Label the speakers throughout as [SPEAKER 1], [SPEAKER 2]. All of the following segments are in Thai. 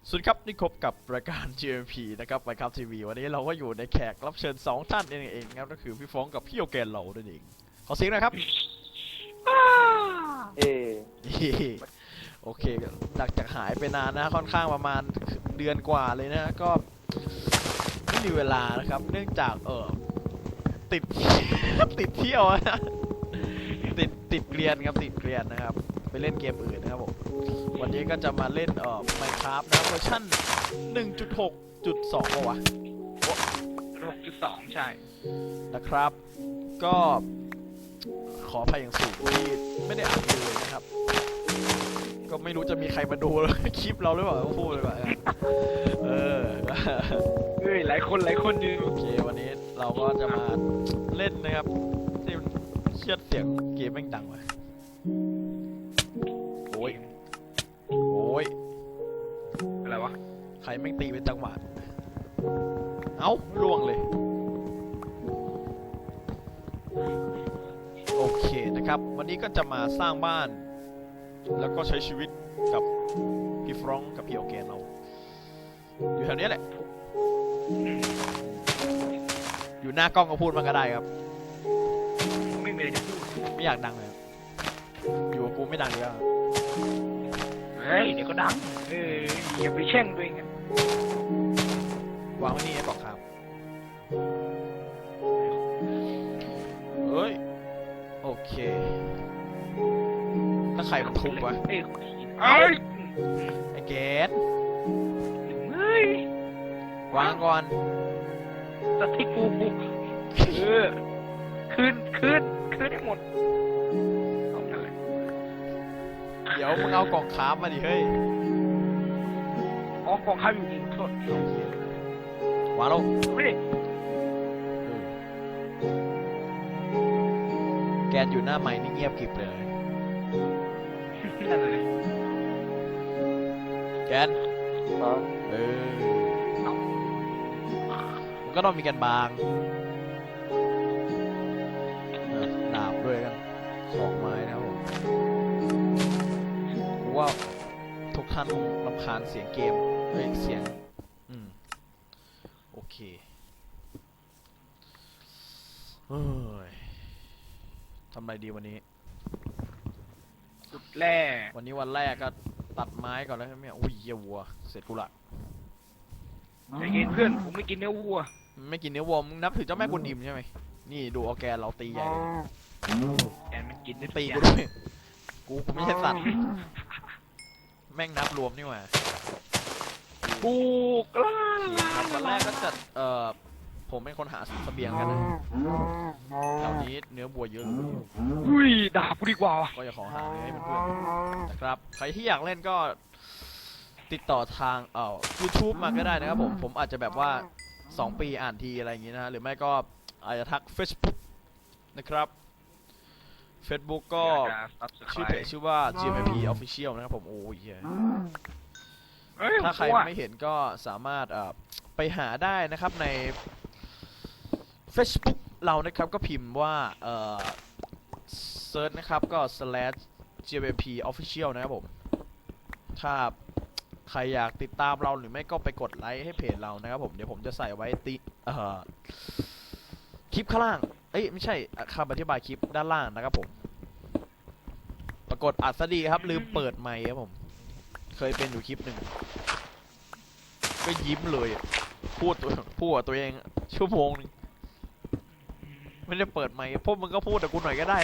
[SPEAKER 1] สวัสดีครับนี่พบกับรายการ GMP นะครับไปครับทีวีวันนี้เราก็อยู่ในแขกรับเชิญ2ท่านเองครับก็คือพี่ฟ้องกับพี่โอแกนเรานั่นเองขอเสียงหนะครับ
[SPEAKER 2] เอ
[SPEAKER 1] โอเคหลังจากหายไปนานนะค่อนข้างประมาณเดือนกว่าเลยนะก็ไม่มีเวลานะครับเนื่องจากติด ติดเที่ยวนะติดเกรียนครับติดเกรียนนะครับไปเล่นเกมอื่นนะครับผมวันนี้ก็จะมาเล่นMinecraft นะเวอร์ชัน 1.6.2 ป่ะวะ
[SPEAKER 2] 6.2 ใช่
[SPEAKER 1] นะครับก็ขออภัยอย่างสูงที่ไม่ได้อัดเลยนะครับก็ไม่รู้จะมีใครมาดูคลิปเราหรือเปล่าก็พูดเลยว่าเออ
[SPEAKER 2] เฮ้ยหลายคนดู
[SPEAKER 1] โอเควันนี้เราก็จะมาเล่นนะครับที่เชียดเสียงเกมแม่งดังว่ะโอ้ยโอ้ย
[SPEAKER 2] อะไรวะ
[SPEAKER 1] ใครแม่งตีเป็นจังหวะเอ้าล่วงเลยโอเคนะครับวันนี้ก็จะมาสร้างบ้านแล้วก็ใช้ชีวิตกับพี่ฟรองก์กับพี่โอเกนเราอยู่แถวนี้แหละอยู่หน้ากล้องก็พูดมันก็ได้ครับ
[SPEAKER 2] ไม่มีอะไรจะพูด
[SPEAKER 1] ไม่อยากดังเลยอยู่กับกูไม่ดังดีแล้ว
[SPEAKER 2] เฮ้ยเดี๋ยวก็ดังอย่าไปแช่งตัวเองอะ
[SPEAKER 1] วางไว้นี่ให้บอกครับเฮ้ยโอเคถ้าใครมันทุบวะ
[SPEAKER 2] เอ้ย
[SPEAKER 1] ไอ้เกด
[SPEAKER 2] เฮ้ยว
[SPEAKER 1] างก่อน
[SPEAKER 2] สติกูคืนให้หมดเอาเลย
[SPEAKER 1] เดี๋ยวมึงเอากล่องคราฟมาดิเฮ้ย
[SPEAKER 2] อ๋อกองข้าวอยู่โทษ
[SPEAKER 1] วางลง
[SPEAKER 2] ไม่ได้
[SPEAKER 1] แกนอยู่หน้าไม้นี่เงียบกริบเลย
[SPEAKER 2] นั่นเลย
[SPEAKER 1] แกนมันก็ต้องมีกันบางดาบด้วยกันของไม้นะครับผมกูว่าทุกท่านคงรำคาญเสียงเกมเฮ้ยเสียงโอเคเฮ้ยทำอะไรดีวันนี้
[SPEAKER 2] สุดแร่
[SPEAKER 1] วันนี้วันแรกก็ตัดไม้ก่อนแล้วใช่ไหมอุ้ยเหี้ยวัวเสร็จกูละ
[SPEAKER 2] ใจเย็นเพื่อนผมไม่กินเนื้อวัว
[SPEAKER 1] ไม่กินเนื้อวัวมึงนับถือเจ้าแม่กุนอิมใช่ไหมนี่ดูออร์แกนเราตีใหญ่เลย
[SPEAKER 2] แอนมันกินได้
[SPEAKER 1] ตีกูด้วยกูไม่ใช่สัตว์แม่งนับรวมนี่หว่า
[SPEAKER 2] กูกล้า
[SPEAKER 1] ครับวันแรกก็จะผมเป็นคนหาเสบียงกันนะแถวนี้เนื้อวัวเยอะ
[SPEAKER 2] อุ้ยด่ากูดีกว่า
[SPEAKER 1] ก็จะขอหาเนื้อให้เพื่อนๆนะครับใครที่อยากเล่นก็ติดต่อทางYouTube มาก็ได้นะครับผมอาจจะแบบว่า2 ปีอ่านทีอะไรอย่างงี้นะหรือไม่ก็อาจจะทัก Facebook นะครับ Facebook ก็ชื่อเพจชื่อว่า GMP Official นะครับผมโอ้ยถ้าใครไม่เห็นก็สามารถไปหาได้นะครับใน Facebook เรานะครับก็พิมพ์ว่าเซิร์ชนะครับก็ /GMP Official นะครับผมถ้าใครอยากติดตามเราหรือไม่ก็ไปกดไลค์ให้เพจเรานะครับผมเดี๋ยวผมจะใส่ไว้คลิปข้างล่างไม่ใช่คำอธิบายคลิปด้านล่างนะครับผมปรากฏอัดซะดีครับลืมเปิดไมค์ครับผมเคยเป็นอยู่คลิปหนึ่งก็ยิ้มเลยพูดกับตัวเองชั่วโมงนึงไม่ได้เปิดไมค์พวกมึงก็พูดแต่กูหน่อยก็ได้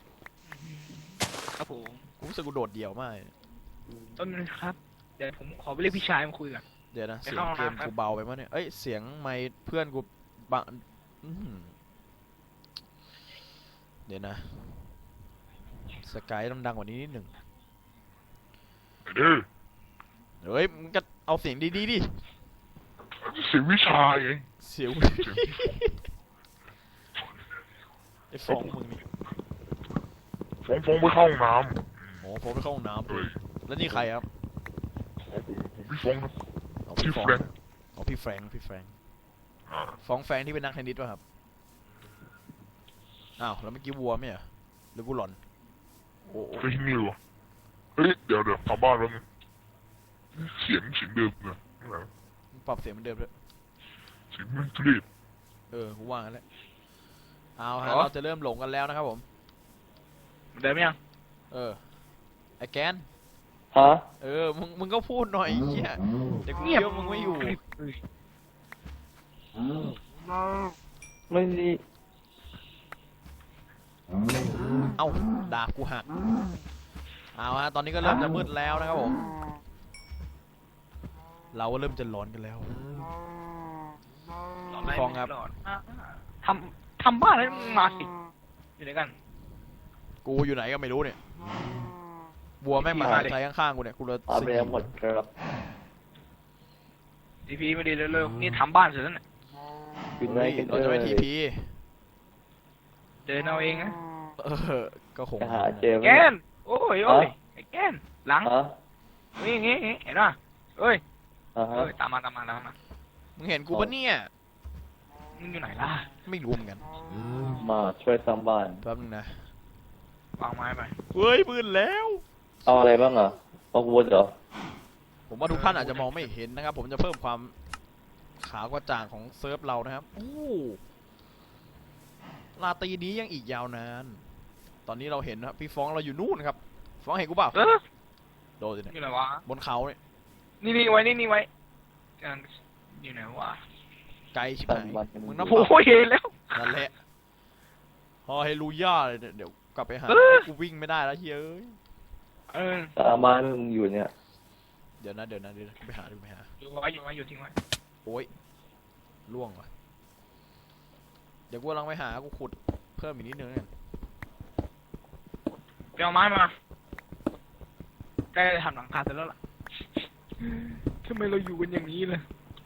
[SPEAKER 2] ครับผม
[SPEAKER 1] กูรู้สึกกูโดดเดี่ยวมาก
[SPEAKER 2] ต้นนึงครับเดี๋ยวผมขอไปเรียกพี่ชายมาคุยกัน
[SPEAKER 1] เดี๋ยวนะเสียงเกมกูเบาไปมั้ยเนี่ยเสียงไมค์เพื่อนกูบังเดี๋ยวนะสกายต้องดังกว่านี้นิดหนึ่งเฮ้ยมึงก็เอาเสียงดีดิ
[SPEAKER 3] เสียงวิชาเอง
[SPEAKER 1] เสียงไอ้ฟองมึงนี่
[SPEAKER 3] ฟ้องไปเข้าห้องน้
[SPEAKER 1] โอ้ผมไปเข้าห้องน้ำเลยแล้วนี่ใครครับ
[SPEAKER 3] ำผมพี่ฟ้องครับ
[SPEAKER 1] เอา
[SPEAKER 3] ชื่
[SPEAKER 1] พี่
[SPEAKER 3] อ
[SPEAKER 1] ฟอง
[SPEAKER 3] แฟรงค์
[SPEAKER 1] เอาพี่แฟรงค์ฟองแฟรงค์ที่เป็นนักเทนนิสป่ะครับอ้าวแล้วเมื่อกี้วัวไหมอ่ะหรือกูหลอนโอ้
[SPEAKER 3] ไปที่นี่วะเฮ้ยเดี๋ยวกลับบ้านแล้วนึงเสียงเดิมนะ
[SPEAKER 1] มึงปรับเสียงเหมือนเดิมด้วย
[SPEAKER 3] เสียงมันทุเรศ
[SPEAKER 1] กูว่างั้นแหละเอาฮะเราจะเริ่มหลงกันแล้วนะครับผม
[SPEAKER 2] เดินไหมยัง
[SPEAKER 1] ไอ้แกน
[SPEAKER 4] ฮะ
[SPEAKER 1] มึงก็พูดหน่อยไอ้เหี้ยเดี๋ยวกูเคี้ยวมึงไม่อยู่
[SPEAKER 4] ไม่ดี
[SPEAKER 1] เอ้าดาบกูหักเอาฮะตอนนี้ก็เริ่มจะมืดแล้วนะครับผม เราก็เริ่มจะร้อนกันแล้ว ฟองครับ
[SPEAKER 2] ทำบ้านแล้วมาสิอยู่ไหนกัน
[SPEAKER 1] กูอยู่ไหนก็ไม่รู้เนี่ยบัวแม่งมาหายใจข้างๆกูเนี่ยกูเลย
[SPEAKER 4] เอาไปแล้วหมดครับ
[SPEAKER 2] ทีพีไม่ดีเร็วๆนี่ทำบ้านเสร็จแล้วเนี่ย
[SPEAKER 4] อยู่ไหนกัน
[SPEAKER 1] เราจะไม่ทีพี
[SPEAKER 2] เดินเอาเองนะ
[SPEAKER 1] ก็คง
[SPEAKER 4] จะหาเจอไหม
[SPEAKER 2] แกนโอ้ยไอ้แกนหลัง
[SPEAKER 4] ฮะ
[SPEAKER 2] นี่งี้เห็นป่ะเอ้ย
[SPEAKER 4] อ่าฮะ
[SPEAKER 2] ตามมา
[SPEAKER 1] มึงเห็นกูปะเนี่ย
[SPEAKER 2] มึงอยู่ไหนล่ะ
[SPEAKER 1] ไม่รู้เหมือนกัน
[SPEAKER 4] มาช่วยสร้างบ้าน
[SPEAKER 1] แป๊บนึงนะ
[SPEAKER 2] วางไม้ไป
[SPEAKER 1] เฮ้ยมืดแล้ว
[SPEAKER 4] เอาอะไรบ้างอ่ะเอาวุ้นเหรอ
[SPEAKER 1] ผมว่าทุกท่านอาจจะมองไม่เห็นนะครับ ผมจะเพิ่มความขาวกระจ่างของเซิร์ฟเรานะครับโอ้ราตรีนี้ยังอีกยาวนาน ตอนนี้เราเห็นนะครับพี่ฟ้องเราอยู่นู่นครับ ฟ้องเห็นกูเปล่าโดนสิเนี่ย
[SPEAKER 2] อยู่ไหนวะ
[SPEAKER 1] บนเขาเนี่ย
[SPEAKER 2] นี่ไว้นี่ไว้อยู่ไหนวะ
[SPEAKER 1] ไกลชิบหายมึงนับ
[SPEAKER 2] โอ้ยเห็นแล้ว
[SPEAKER 1] นั่นแหละฮอเฮลูย่าเลยเนี่ยเดี๋ยวกลับไปหากูวิ่งไม่ได้แล้วเฮ้ย
[SPEAKER 4] สร้างบ้านมึงอยู่เนี่ย
[SPEAKER 1] เดี๋ยวนะไปหา
[SPEAKER 2] อยู่ทิ้งไว้
[SPEAKER 1] โอ้ยล่วงว่ะเดี๋ยวกูกำลังไปหากูขุดเพิ่มอีกนิดนึงกัน
[SPEAKER 2] ไปเอาไม้มาใกล้จะทำหลังคาเสร็จแล้วล่ะทำไมเราอยู่กันอย่างนี้ล่ะ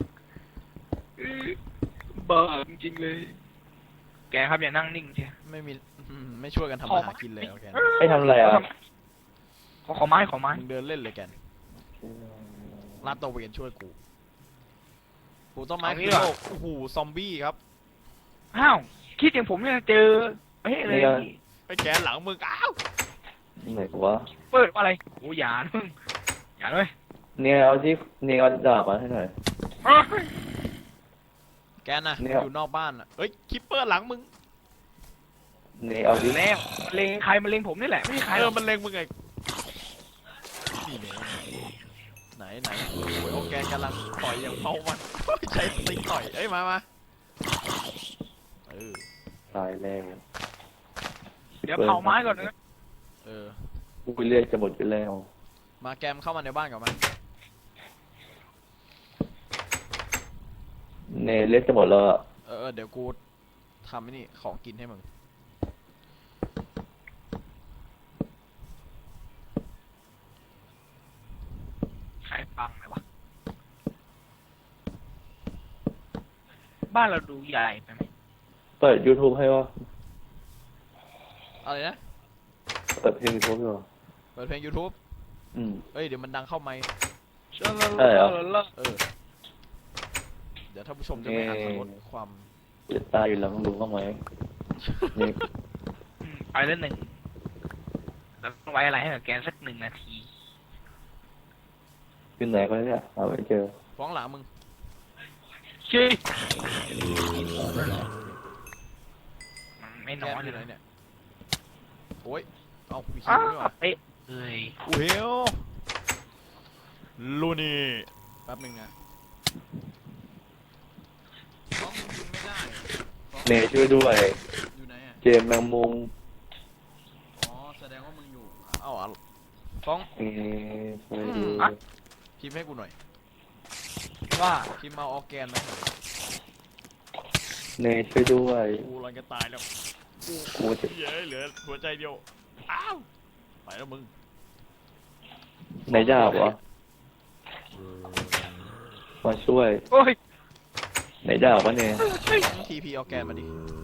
[SPEAKER 2] บ้าจริงๆเลย แกครับอย่านั่งนิ่งเชีย
[SPEAKER 1] ไม่ช่วยกันทำอาหารกินเลยโอเค
[SPEAKER 4] ให้ทำอะไรอ่ะ
[SPEAKER 2] ขอไม้
[SPEAKER 1] มึงเดินเล่นเลยแกนลาดตระเวนช่วยกูต้นไม้คือโลกโอ้โหซอมบี้ครับ
[SPEAKER 2] อ้าวคิดอย่างผมเนี่ยเจอเฮ้ยเลย
[SPEAKER 1] ไปแกนหลังมึงอ้าว
[SPEAKER 4] ไหนวะ
[SPEAKER 2] เปิดว่าอะไรโอ้อย่ามึงอย่าเลย
[SPEAKER 4] เนี่ยเอาที่เนี่ยเอาดาบมาให้หน่อย
[SPEAKER 1] แกนนะ
[SPEAKER 4] เนี่ย
[SPEAKER 1] อยู่นอกบ้านอ่ะเอ้ยคิปเปอร์หลังมึง
[SPEAKER 4] เนี่ยเอาที่
[SPEAKER 2] แล้วมันเลงใครมันเลงผมนี่แหละไม่ใช่ใครหรอก
[SPEAKER 1] มันเล็งมึงไงนี่ไหนโอ้ยโอแกนกำลังต่อยอย่างเมามันใช้สติ๊กต่อยเอ้ยมา
[SPEAKER 4] ตายแล้ว
[SPEAKER 2] เดี๋ยวเผาไม้ก่อนนะ
[SPEAKER 4] กูไปเรื่อยจะหมดไปแล้ว
[SPEAKER 1] มาแกมเข้ามาในบ้านกับมัน
[SPEAKER 4] เนี่ยเลือดจะหมดแล้วอ่ะ
[SPEAKER 1] เดี๋ยวกูทำไอ้นี่ของกินให้มึง
[SPEAKER 2] ใครฟังเลยวะบ้านเราดูใหญ่ไปไหม
[SPEAKER 4] เปิด YouTube ให้วะ
[SPEAKER 1] อะไรนะ
[SPEAKER 4] เปิดเพลง YouTube อยู่
[SPEAKER 1] เปิดเพลง YouTube เอ้ยเดี๋ยวมันดังเข้าไมค์
[SPEAKER 4] ใช่เหรอ
[SPEAKER 1] เดี๋ยวท่านผู้ชมจะไม่อาจลดความ
[SPEAKER 4] จะตายอยู่แล้วมึงรู้บ้างไหมนี่
[SPEAKER 2] ไปเล่นหนึ่งแล้วต้องไว้อะไรให้กับแกสัก1 นาที
[SPEAKER 4] อยู่ไหนก็เนี่ยหาไม่เจอ
[SPEAKER 1] ฟ้องหลังมึง
[SPEAKER 2] ชี้มันไม่
[SPEAKER 1] แก
[SPEAKER 2] น้อย
[SPEAKER 1] มอ
[SPEAKER 2] เล
[SPEAKER 1] ยู่
[SPEAKER 2] ย
[SPEAKER 1] ไหนเนี่ยโอ้ยเอามีคิ
[SPEAKER 2] อ้าว
[SPEAKER 1] ด้วยว่ะ
[SPEAKER 2] เอ๊ะเอ้ย
[SPEAKER 1] กูเฮลลูนี่แป๊บนึงนะฟ้องมึงยิงไม่ได้ฟ้อง
[SPEAKER 4] เนยช่วยด้วย
[SPEAKER 1] อยู่ไหนอ่ะ
[SPEAKER 4] เจมส์แมงมุม
[SPEAKER 1] อ๋อแสดงว่ามึงอยู่เอ้าฟ้อง
[SPEAKER 4] ช่วยด้วย
[SPEAKER 1] พิมพ์ให้กูหน่อย
[SPEAKER 2] ว่า
[SPEAKER 1] พิมพ์มาออร์แกนมาให้หน่อย
[SPEAKER 4] เนยช่วยด้วย
[SPEAKER 1] กูรังจะตายแล้ว
[SPEAKER 4] กูจะ
[SPEAKER 1] เย้เหลือหัวใจเดียวอ้าวไปแล้วมึง
[SPEAKER 4] ไหนดาบวะมาช่วย
[SPEAKER 2] โอ้ย
[SPEAKER 4] ไหนดาบวะเนี่ย
[SPEAKER 1] ทีพีออร์แกนมาดิ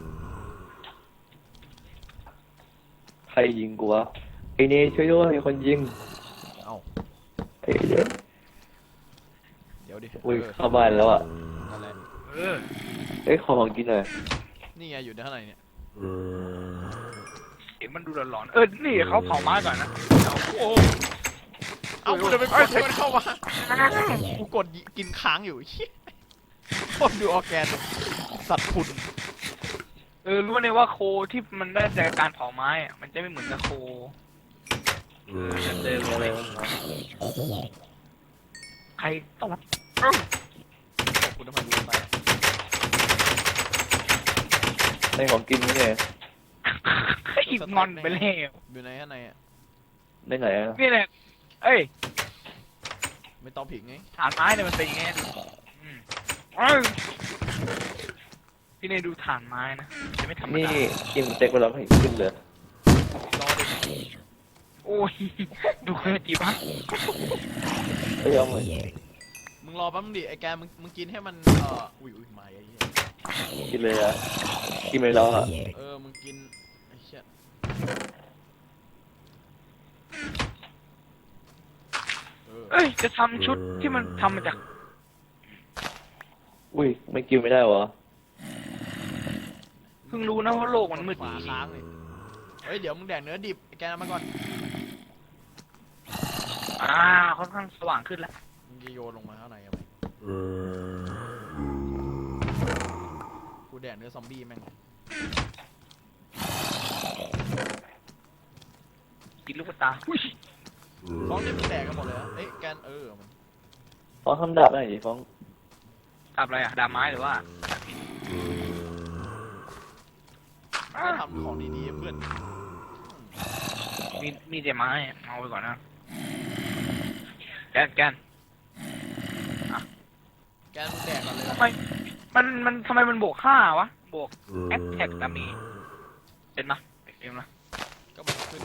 [SPEAKER 4] ใครยิงกูวะไอเนยช่วยด้วยมีคนยิง
[SPEAKER 1] เอ้า
[SPEAKER 4] ไอ้เดี๋ยว
[SPEAKER 1] เดี๋ยวดิ
[SPEAKER 4] อุ้ยเข้าบ้านแล้วอ่ะ
[SPEAKER 1] นั่นแหละ
[SPEAKER 2] เออ
[SPEAKER 4] เอ้ยขอของกินหน่อย
[SPEAKER 1] นี่ไงอยู่ในข้างในเนี่ย
[SPEAKER 2] เห็นมันดูหลอนๆนี่เขาเผาไม้ก่อนนะเอาโอ้
[SPEAKER 1] เอากูจะไปกดให้มันเข้ามากูกดกินค้างอยู่เหี้ยโคตรดูออร์แกนสัตว์คุณ
[SPEAKER 2] รู้เลยว่าโคที่มันได้จากการเผาไม้อะมันจะไม่เหมือนกับโคเจอ
[SPEAKER 4] อะไร
[SPEAKER 2] เลย
[SPEAKER 4] วะ
[SPEAKER 2] ใครตบ
[SPEAKER 1] บอกคุณทำไมกูตาย
[SPEAKER 4] ในของกินนี่ไง
[SPEAKER 2] อีกงอนไปแล้ว
[SPEAKER 1] อยู่ในข้างในอ่ะ
[SPEAKER 4] ได้ไหนอ่ะ
[SPEAKER 2] นี่แหละเอ้ย
[SPEAKER 1] ไม่ต้องผิงไง
[SPEAKER 2] ฐานไม้เนี่ยมันเป็นอย่างเงี้ยอืมพี่เนยดูฐานไม้นะจะไม่ธรรม
[SPEAKER 4] นี่
[SPEAKER 2] ดา
[SPEAKER 4] กินสเต็กไปแล้วให้ขึ้นเลย
[SPEAKER 1] รอดิ
[SPEAKER 2] โอ้ยดูเคยจีบะ
[SPEAKER 4] เอ้ยเอามา
[SPEAKER 1] มึงรอแป๊บนึงดิไอ้แกมึงกินให้มันอุ้ยมาไอ้เหี้ย
[SPEAKER 4] กินเลยอ่ะกินไปแล้วอ่ะ
[SPEAKER 1] มึงกินไอ้เหี้ย
[SPEAKER 2] เอ้ยจะทำชุดที่มันทำมาจาก
[SPEAKER 4] อุ้ยไม่กินไม่ได้วะ
[SPEAKER 2] เพิ่งรู้นะว่าโลกมันมืด
[SPEAKER 1] ขวาค้างเลยเฮ้ยเดี๋ยวมึงแดกเนื้อดิบไอ้แกนำมาก่อน
[SPEAKER 2] ค่อนข้างสว่างขึ้นแล้ว
[SPEAKER 1] มึงจะโยนลงมาข้างในอะกูแดกเนื้อซอมบี้แม่ง
[SPEAKER 2] กินลูกตาอุ้ย
[SPEAKER 1] ฟ้องนี่มึงแดกกันหมดเลยเหรอเอ้ยแกนมัน
[SPEAKER 4] ฟ้องทำดาบได้ดิฟ้อง
[SPEAKER 2] ทำอะไรอะดาบไม้หรือว่า
[SPEAKER 1] ก็ทำของดีๆเพื่อน
[SPEAKER 2] มีแต่ไม้อะเอาไปก่อนนะแกน
[SPEAKER 1] แกนมึงแดกก่อนเลย
[SPEAKER 2] ทำไมมันทำไมมันบวก5วะบวกแอตแทกดามีเป็นปะเอ็มนะ
[SPEAKER 1] ก็มันขึ้น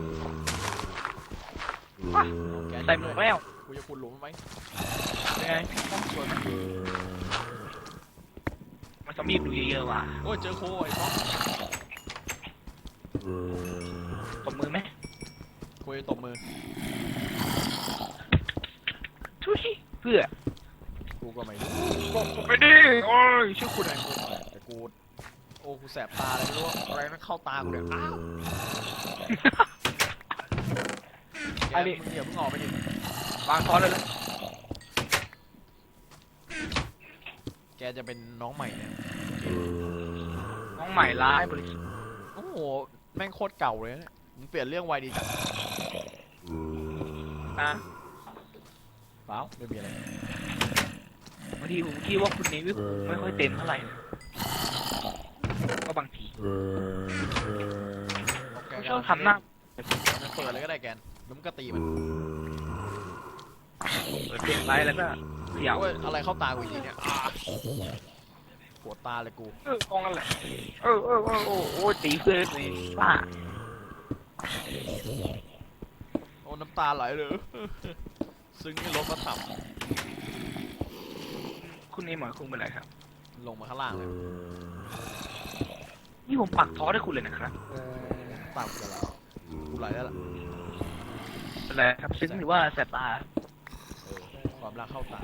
[SPEAKER 2] ใส่หมวกแล้ว
[SPEAKER 1] กูจะขุดหลุมไหม
[SPEAKER 2] เป็นไงต้องสวยไหมมันจะมีดูเยอะๆว่ะ
[SPEAKER 1] โอ้ยเจอโคไอ้ฟ้อง
[SPEAKER 2] ตบมือไหม
[SPEAKER 1] กูจะตบมือ
[SPEAKER 2] ทุยเพื่อ
[SPEAKER 1] กูก็ไม่รู้
[SPEAKER 2] บอกไปดิโอ้ยชื่อคุณอะไร
[SPEAKER 1] แต่กูโอ้กูแสบตาเลยไม่รู้ว่าอะไรมันเข้าตากูเนี่ยอ้าวแกมึงอย่าเพิ่งออกไปดิ
[SPEAKER 2] วางคอนเลยเลย
[SPEAKER 1] แกจะเป็นน้องใหม่เนี่ย
[SPEAKER 2] น้องใหม่ร้ายบริสุทธิ์
[SPEAKER 1] โอ้โหแม่งโคตรเก่าเลยเนี่ยมึงเปลี่ยนเรื่องไวดีจัง
[SPEAKER 2] นะ
[SPEAKER 1] เปล่าไม่มีอะไร
[SPEAKER 2] บางทีผมคิดว่าคุณนี้ไม่ค่อยเต็มเท่าไหร่นะก็บางทีผมชอบทำหน้า
[SPEAKER 1] มันเปิดเลยก็ได้แกนแล้วมึงก็ตีมัน
[SPEAKER 2] เปิดเพลงไว้แล้วก็เขี่ยว
[SPEAKER 1] โอ้ยอะไรเข้าตากูอีกทีเนี่ยปวดตาเลยกู
[SPEAKER 2] กองกันแหละโอ้ตีเพื่อนเลยป้า
[SPEAKER 1] โอ้น้ำตาไหลเลย ซึ้งในรถมาถับ
[SPEAKER 2] คุณนี่หมายคุณเป็นไรครับ
[SPEAKER 1] ลงมาข้างล่างเลย
[SPEAKER 2] นี่ผมปักท้อให้คุณเลยนะครับ
[SPEAKER 1] ตามกันแล้วกูไหลแล้วล่ะ
[SPEAKER 2] เป็นไรครับซึ้งหรือว่าแสบตา
[SPEAKER 1] ความรักเข้าตา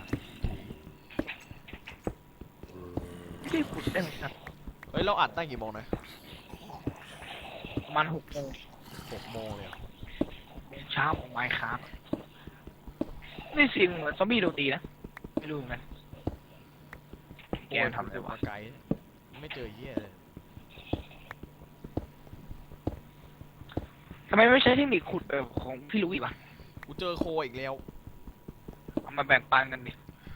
[SPEAKER 2] ไม่ได้ขุดได้ไหมครับ
[SPEAKER 1] เฮ้ยเราอัดตั้งกี่โมงนะ
[SPEAKER 2] ประมาณ6 โมง
[SPEAKER 1] 6 โมงเลยเหรอ
[SPEAKER 2] เช้าของไมค์ครับนี่เสียงเหมือนซอมบี้โดนตีนะไม่รู้เหมือนกันแกทำอะไร
[SPEAKER 1] มาว
[SPEAKER 2] ะ
[SPEAKER 1] ไกลไม่เจอเหี้ยเลย
[SPEAKER 2] ทำไมไม่ใช้เทคนิคขุดแบบของพี่ลุยป่ะ
[SPEAKER 1] กูเจอโคอีกแล้ว
[SPEAKER 2] เอามาแบ่งปันกันดิ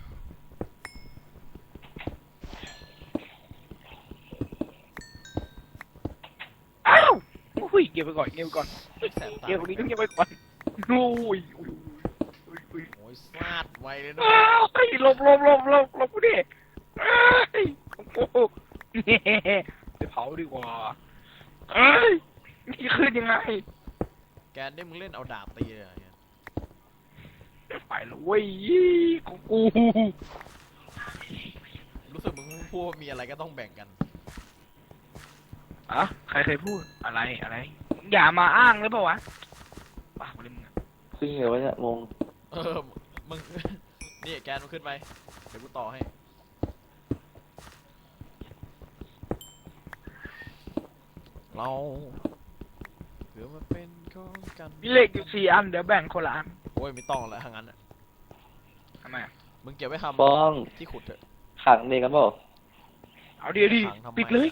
[SPEAKER 2] อ้าวอุ้ยเก็บไปก่อนเก็บไปก่อน
[SPEAKER 1] แสบตา
[SPEAKER 2] เก็บตรงนี้ต้องเก็บไปก่อนโอ้ยอุ้ย
[SPEAKER 1] โอ้ยซาดไวเลยนะ
[SPEAKER 2] อ้าวเฮ้ยหลบกูดิเอ้ยโอ้โหไปเผาดีกว่าเอ้ยนี่ขึ้นยังไง
[SPEAKER 1] แกนได้มึงเล่นเอาดาบตีเลยเหรอเนี่ย
[SPEAKER 2] ไปแล้วเว้ยของกู
[SPEAKER 1] รู้สึกมึงพูดว่ามีอะไรก็ต้องแบ่งกัน
[SPEAKER 2] อะใครเคยพูดอะไรอย่ามาอ้างเลยเปล่าวะปากเลยมึงอะ
[SPEAKER 4] ซึ่งเดี๋ยววะเนี่ยมง
[SPEAKER 1] มึง นี่แกนมันขึ้นไป เดี๋ยวกูต่อให้ เราเดี๋ยวมาเป็นของกัน
[SPEAKER 2] มีเลขอยู่4 อันเดี๋ยวแบ่งคนละอัน
[SPEAKER 1] โอ้อ้ยไม่ต้องแล้วทางนั้นน่ะ
[SPEAKER 2] ทำไมอะ
[SPEAKER 1] มึงเก็บไว้ท
[SPEAKER 4] ฟอง
[SPEAKER 1] ำที่ขุดเถอะ
[SPEAKER 4] ขังเด็กกันเปล่า
[SPEAKER 2] เอาเดี๋ยวดิ
[SPEAKER 1] ขังทำไม
[SPEAKER 2] ปิดเลย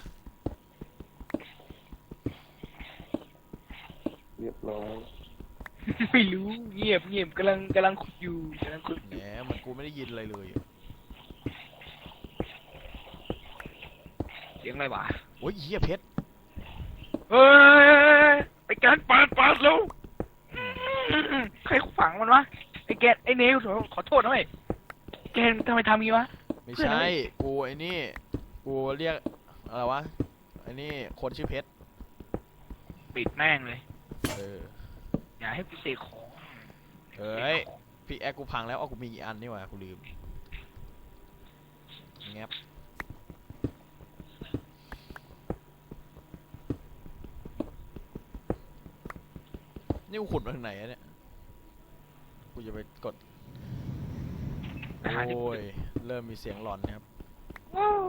[SPEAKER 4] เรียบร้อย
[SPEAKER 2] ไม่รู้เงียบเงียบกำลังขุดอยู่กำลังขุดอ
[SPEAKER 1] แหม
[SPEAKER 2] ยู่
[SPEAKER 1] มันกูไม่ได้ยินอะไรเลยอะ
[SPEAKER 2] เสียงอะไรวะ
[SPEAKER 1] โอ้ยเหี้ยเพชร
[SPEAKER 2] เฮ้ยไอ้แกนปาดแล้วใครฝังมันวะไอ้แกนไอ้เนวขอโทษหน่อยแกนทำไมทำงี้วะ
[SPEAKER 1] ไม่
[SPEAKER 2] เพื่อน
[SPEAKER 1] ใช่
[SPEAKER 2] อะไร
[SPEAKER 1] กูไอ้นี่ กูเรียกอะไรวะ ไอ้นี่คนชื่อเพชร
[SPEAKER 2] ปิดแม่งเลย
[SPEAKER 1] เออ
[SPEAKER 2] อย่าให้กูเสกของ
[SPEAKER 1] เอ้ย พี่แอคกูพังแล้วอ๋อกูมีกี่อันนี่หว่ากูลืมแงบนี่กูขุดมาถึงไหนอะเนี่ย กูจะไปกด
[SPEAKER 2] ไปหาที่
[SPEAKER 1] โอ้ย เริ่มมีเสียงหลอนนะครับ
[SPEAKER 2] ว้าว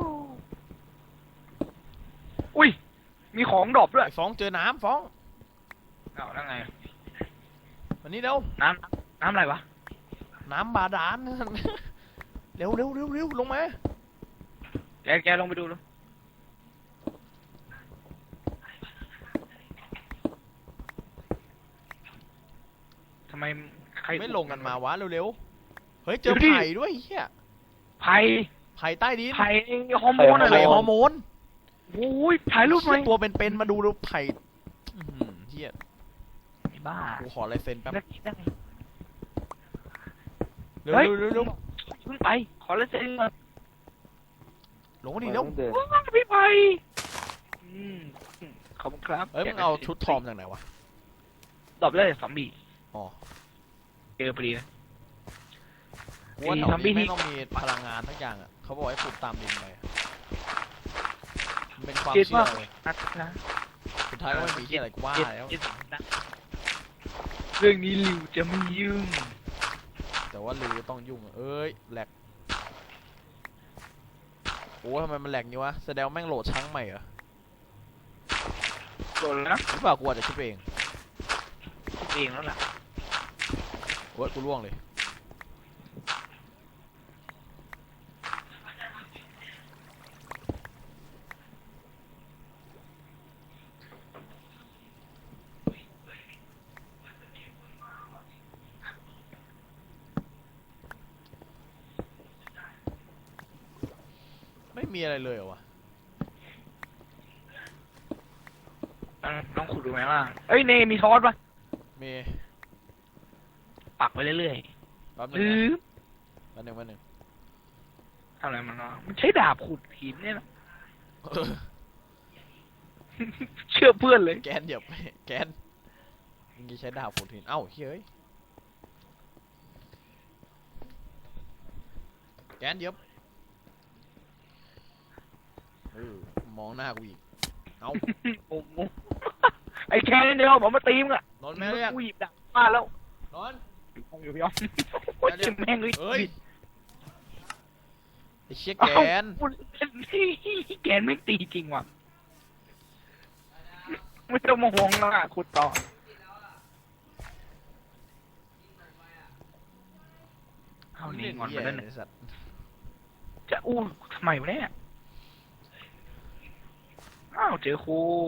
[SPEAKER 2] อุ้ยมีของดรอปด้วย
[SPEAKER 1] ไอ้ฟ้องเจอน้ำฟ้อง
[SPEAKER 2] เอาแล้วไง
[SPEAKER 1] วันนี้เร็ว
[SPEAKER 2] น้ำอะไรวะ
[SPEAKER 1] น้ำบาดาล เร็วเร็วเร็วเร็วลงมา
[SPEAKER 2] แกลงไปดูดูทำไมใคร
[SPEAKER 1] ไม่ลงกันมาวะเร็วเร็วเฮ้ยเจอ
[SPEAKER 2] เดี๋ยวดิ
[SPEAKER 1] ไผ่ด้วยเฮีย
[SPEAKER 2] ไผ่
[SPEAKER 1] ไผ่ใต้ดิน
[SPEAKER 2] ไผ่ฮอร์โมนอะไร
[SPEAKER 1] ไผ่ฮ
[SPEAKER 2] ฮ
[SPEAKER 1] อ
[SPEAKER 2] อ
[SPEAKER 1] ร์โมน
[SPEAKER 2] โอ้ยถ่ายรูปหน่อย
[SPEAKER 1] เหี้ยตัวเป็นๆมาดูแล้วไผ่อื้อหือเฮีย
[SPEAKER 2] ไอ้บ้า
[SPEAKER 1] กูขอลายเซ็นแป๊บ
[SPEAKER 2] ได้
[SPEAKER 1] เร็ว
[SPEAKER 2] เฮ้ย
[SPEAKER 1] เร็วเร็ว
[SPEAKER 2] เพิ่งไป ขอแล้วเซ็นก่อน
[SPEAKER 1] ลงมาดิเร็ว
[SPEAKER 4] เดิน
[SPEAKER 2] ว้าวพี่ไผ่ขอบคุณครับ
[SPEAKER 1] เอ้ยมึงเอาชุดทอมจากไหนวะ
[SPEAKER 2] ตอบเลยซอมบี้
[SPEAKER 1] อ๋อ
[SPEAKER 2] เจอพอดีนะ
[SPEAKER 1] กูว่า
[SPEAKER 2] ไอ้
[SPEAKER 1] แถว
[SPEAKER 2] ซอมบี้
[SPEAKER 1] นี้
[SPEAKER 2] ที่
[SPEAKER 1] ไม่ต้องมีพลังงานทั้งอย่างอ่ะเขาบอกให้ขุดตามดินไปมันเป็นความ
[SPEAKER 2] คิด
[SPEAKER 1] เชื่
[SPEAKER 2] ว่า
[SPEAKER 1] อเลย
[SPEAKER 2] นัดนะ
[SPEAKER 1] สุดท้ายก็ไม่มีที่อะไรกูว่าแล้ว
[SPEAKER 2] เรื่องนี้ลิวจะไม่ยุ่ง
[SPEAKER 1] แต่ว่าลือต้องยุ่งอะเอ้ยแหลกโอ้ทำไมมันแหลกงี้วะแสดงว่าแม่งโหลดช้างใหม่เหรอ
[SPEAKER 2] โดนแล้ว
[SPEAKER 1] หรือเปล่ากูอาจจะคิดไปเอง
[SPEAKER 2] คิดเองแล้วล่ะ
[SPEAKER 1] โอ้ยกูล่วงเลยไม่มีอะไรเลยเหรอวะ
[SPEAKER 2] ลองขุดดูไหมล่ะเอ้ยเนมีทอสปะ
[SPEAKER 1] มี
[SPEAKER 2] ปักไปเรื่อย
[SPEAKER 1] แป๊บ
[SPEAKER 2] ๆ
[SPEAKER 1] นึ
[SPEAKER 2] ห
[SPEAKER 1] ง
[SPEAKER 2] รือ
[SPEAKER 1] นะแป๊บนึงแป๊บนึง
[SPEAKER 2] ทำอะไรมันวะมันใช้ดาบขุดหินเนี่ยนะ
[SPEAKER 1] เออ
[SPEAKER 2] เชื่อเพื่อนเลย
[SPEAKER 1] แกนเหยียบแกนมึงจะใช้ดาบขุดหินเอ้าเฮ้ยแกนเหยียบเออมองหน้ากูอีกเอ้าง
[SPEAKER 2] งไอ้แค่นี้เดียวบอกมาตีมงอะ
[SPEAKER 1] นอนแม่เรียก
[SPEAKER 2] กูหยิบดาบมาแล้ว
[SPEAKER 1] นอน
[SPEAKER 2] อยู่พี่อ้อมโอ้ยเจ็บแม่งเลย
[SPEAKER 1] เอ้ยไอ้เชี่ย
[SPEAKER 2] เอ้า
[SPEAKER 1] แกน
[SPEAKER 2] พูดเล่นแกนไม่ตีจริงว่ะไม่ต้องมาห่วงแล้วอะขุดต่อเอานี่งอนไปแล้วเนี่ย
[SPEAKER 1] ไอ้สัตว์
[SPEAKER 2] จะอู้ทำไมวะเนี่ยอ้าวเจอครู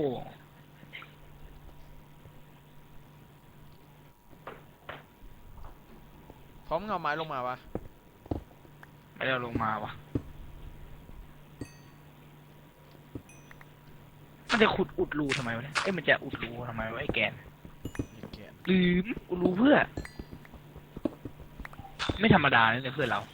[SPEAKER 1] พร้อมเงาไม้ลงมาปะ
[SPEAKER 2] ไม่ได้เอาลงมาวะมันจะขุดอุดรูทำไมวะเนี่ยเอ้ยมันจะอุดรูทำไมวะไอ้แกน
[SPEAKER 1] ไอ้แกน
[SPEAKER 2] ลืมอุดรูเพื่อ ไม่ธรรมดาเลยเพื่อนเรา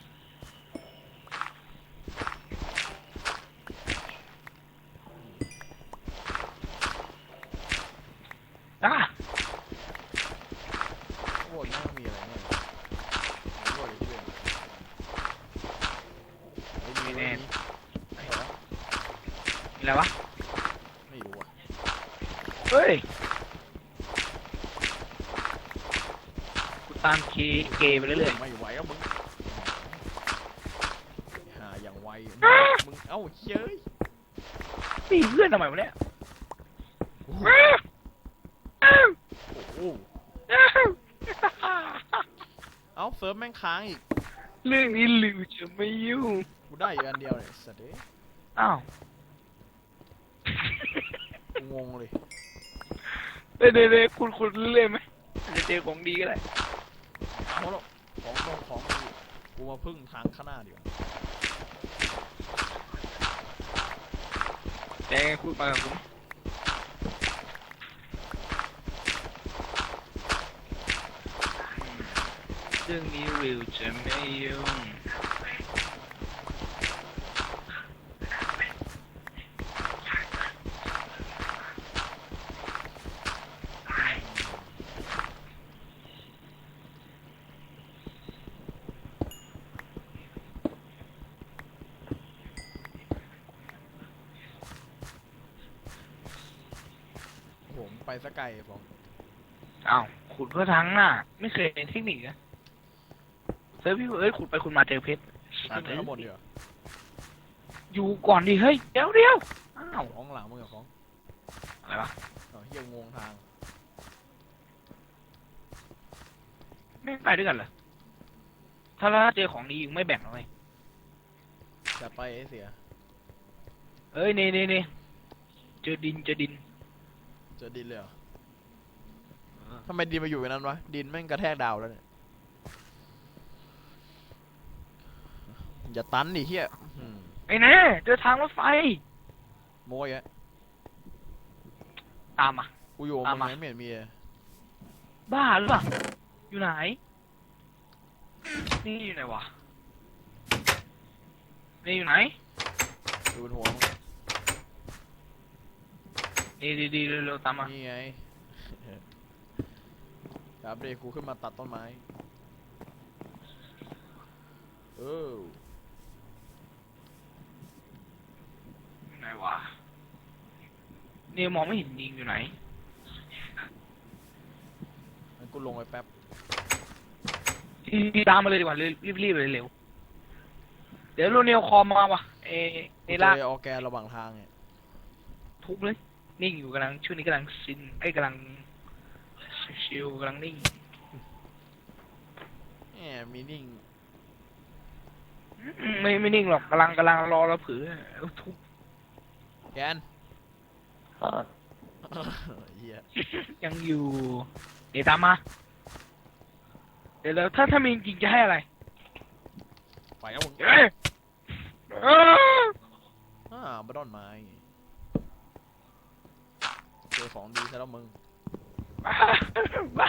[SPEAKER 2] อ่ะ
[SPEAKER 1] โอ้ยแม่งมีอะไรเนี่ยโอ้ยเพื่อนไม่มี
[SPEAKER 2] มีอะไรวะ
[SPEAKER 1] ไม่รู้อ่ะ
[SPEAKER 2] เฮ้ยกูตามเกย์ไปเรื่อย
[SPEAKER 1] ไม่ไหวแล้วมึงหาอย่างไวมึงเอ้าเย้ย
[SPEAKER 2] ๆตีเพื่อนทำไมวะเนี่ย
[SPEAKER 1] โอ้โหเอ้าเซิร์ฟแม่งค้างอีก
[SPEAKER 2] เรื่องนี้ลิวจะไม่ยุ่ง
[SPEAKER 1] กูได้อยู่อันเดียวเนี่ยสัตว์เอ้ย
[SPEAKER 2] อ้าว
[SPEAKER 1] กูงงเลย
[SPEAKER 2] เด้คุณเรื่อยไหมอาจจะเจอของดีก็ได้
[SPEAKER 1] เอาหรอกของกูมาพึ่งทางข้างหน้าดีกว่า
[SPEAKER 2] แต่คุณมากับผมเรื่องนี้ลิวจะไม่ยุ่ง
[SPEAKER 1] ผมไปสกไกลฟอง
[SPEAKER 2] อ้าวขุดเพื่อทั้งน่ะ ไม่เคยเห็นเทคนิคนะเซิร์ฟพี่เอ้ยขุดไปขุดมาเจอเพชร
[SPEAKER 1] ขึ้นไปข้างบนดีกว่า
[SPEAKER 2] อยู่ก่อนดิเฮ้ยเดี๋ยวอ้าว
[SPEAKER 1] ของหลังมึงกับของ
[SPEAKER 2] อะไรวะ
[SPEAKER 1] เฮียงงทาง
[SPEAKER 2] ไม่ไปด้วยกันเหรอถ้าเราเจอของดีอยู่ไม่แบ่งเลย
[SPEAKER 1] จะไปไอ้เสีย
[SPEAKER 2] เอ้ยนี่เจอดิน
[SPEAKER 1] เจอดินเลยเหรอทำไมดินมาอยู่อย่างนั้นวะดินแม่งกระแทกดาวแล้วเนี่ยอย่าตันดิเฮีย
[SPEAKER 2] ไอ้แน่เจอทางรถไฟ
[SPEAKER 1] โม้ยะ
[SPEAKER 2] ตามมา
[SPEAKER 1] กูอยู่
[SPEAKER 2] ตาม
[SPEAKER 1] มึ
[SPEAKER 2] มา
[SPEAKER 1] งไม่เห็นมีเลย
[SPEAKER 2] บ้าหรือเปล่าอยู่ไหน นี่อยู่ไหนวะนี่อยู่ไหน
[SPEAKER 1] อยู่บนหัวมึง
[SPEAKER 2] นี่ดีเร็วๆตามมา
[SPEAKER 1] นี่ไงครับเด็กกูขึ้นมาตัดต้นไม้
[SPEAKER 2] อยู่ไหนวะนี่มองไม่เห็นยิงอยู่ไหน
[SPEAKER 1] งั้นกูลงไปแป๊บ
[SPEAKER 2] ตามมาเลยดีกว่ารีบเลยเร็วเดี๋ยวโรเนลคอมมาว่ะเอ
[SPEAKER 1] กู
[SPEAKER 2] ล่า
[SPEAKER 1] เจอออร์แกนระหว่างทางเนี่ย
[SPEAKER 2] ทุบเลยนิ่งอยู่กำลังช่วงนี้กำลังกำลังชิลกำลังนิ่ง
[SPEAKER 1] แหมมีนิ่ง
[SPEAKER 2] ไม่นิ่งหรอกกำลังรอเราผือทุบ
[SPEAKER 1] แกน
[SPEAKER 4] อ่า
[SPEAKER 1] เฮีย
[SPEAKER 2] ยังอยู่เดี๋ยวตามมาเดี๋ยวถ้ามีจริงจะให้อะไร
[SPEAKER 1] ไปแล้วมึง
[SPEAKER 2] เอ้ย
[SPEAKER 1] บัดดอนไม้เจอของดีซะแล้วมึง
[SPEAKER 2] บ้า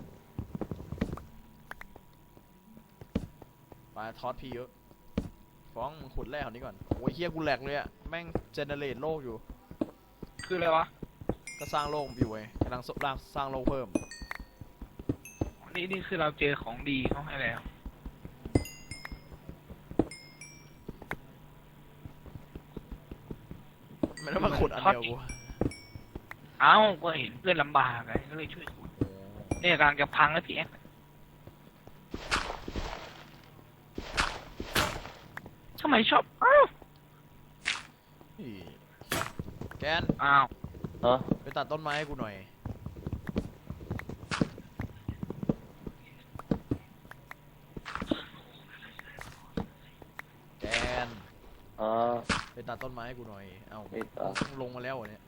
[SPEAKER 1] ไปทอดพี่เยอะฟ้องมึงขุดแร่ของนี้ก่อนโอ้ยเฮียกูแหลกเลยอะแม่งเจเนเรตโลกอยู่
[SPEAKER 2] คืออะไรวะ
[SPEAKER 1] ก็สร้างโลกอยู่ไงกำลังสร้างโลกเพิ่ม
[SPEAKER 2] นี่คือเราเจอของดีเขาให้แล้ว
[SPEAKER 1] ไม่ต้องมาขุดอันเดียวกู
[SPEAKER 2] เอ้าก็เห็นเพื่อนลำบากไงก็เลยช่วยขุดเนี่ยกำลังจะพังแล้วพี่แอ๊กทำไมชอบอ้าว
[SPEAKER 1] นี่แกน
[SPEAKER 2] อ้าว
[SPEAKER 4] ฮะ
[SPEAKER 1] ไปตัดต้นไม้ให้กูหน่อยแกน
[SPEAKER 4] อ่า
[SPEAKER 1] ไปตัดต้นไม้ให้กูหน่อยเอ้า
[SPEAKER 4] ไม่ตัด
[SPEAKER 1] ลงมาแล้วเหรอเนี่ย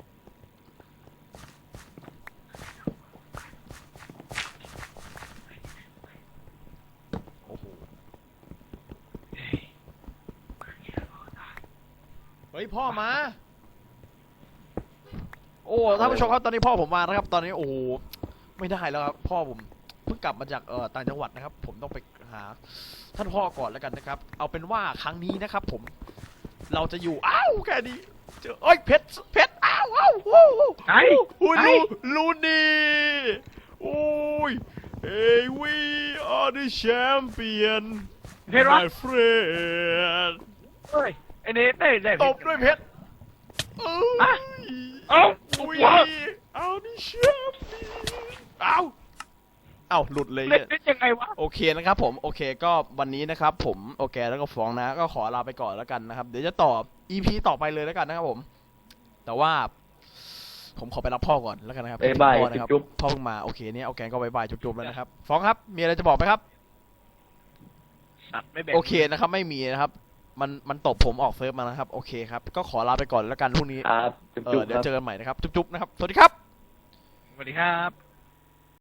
[SPEAKER 1] โอ้โหเฮ้ยพ่อมาโอ้ท่านผู้ชมครับตอนนี้พ่อผมมานะครับตอนนี้โอ้โหไม่ได้แล้วครับพ่อผมเพิ่งกลับมาจากต่างจังหวัดนะครับผมต้องไปหาท่านพ่อก่อนแล้วกันนะครับเอาเป็นว่าครั้งนี้นะครับผมเราจะอยู่อ้าวแค่นี้เจอเอ้ยเพชรอ้าวอ้าวโอ้โห
[SPEAKER 2] ไหน
[SPEAKER 1] โอ้ย
[SPEAKER 2] ไหน
[SPEAKER 1] ลูนี่โอ้ย Hey we are the champion
[SPEAKER 2] เพชรวะ
[SPEAKER 1] my friend
[SPEAKER 2] เฮ้ยไอ้เนทได้
[SPEAKER 1] ตบด้วยเพชรเอ้
[SPEAKER 2] อ่ะ
[SPEAKER 1] ย
[SPEAKER 2] เอ้า
[SPEAKER 1] We
[SPEAKER 2] วะ
[SPEAKER 1] are the champion เอ้าหลุดเลย
[SPEAKER 2] เล่
[SPEAKER 1] เนี่ย
[SPEAKER 2] นยังไงวะ
[SPEAKER 1] โอเคนะครับผมโอเคก็วันนี้นะครับผมโอเคแล้วก็ฟ้องนะก็ขอลาไปก่อนแล้วกันนะครับเดี๋ยวจะต่อ EP ต่อไปเลยแล้วกันนะครับผมแต่ว่าผมขอไปรับพ่อก่อนแล้วกันนะครับ
[SPEAKER 4] บ๊ายบาย
[SPEAKER 1] พ่อนะครับ
[SPEAKER 4] จุ๊บ
[SPEAKER 1] พ่อเพิ่งมาโอเคเนี่ยโอเคก็บ๊ายบายจุ๊บๆแล้วนะครับฟ้องครับมีอะไรจะบอกไหมครับ
[SPEAKER 2] สัตว์ไม่แบ่ง
[SPEAKER 1] โอเคนะครับไม่มีนะครับมันตบผมออกเซิร์ฟมานะครับโอเคครับก็ขอลาไปก่อนแล้วกันพรุ่งนี้
[SPEAKER 4] ครับจุ๊บๆ
[SPEAKER 1] เดี๋ยว
[SPEAKER 4] ครับ
[SPEAKER 1] เจอกันใหม่นะครับจุ๊บๆนะครับสวัสดีครับ
[SPEAKER 2] สวัสดีครับ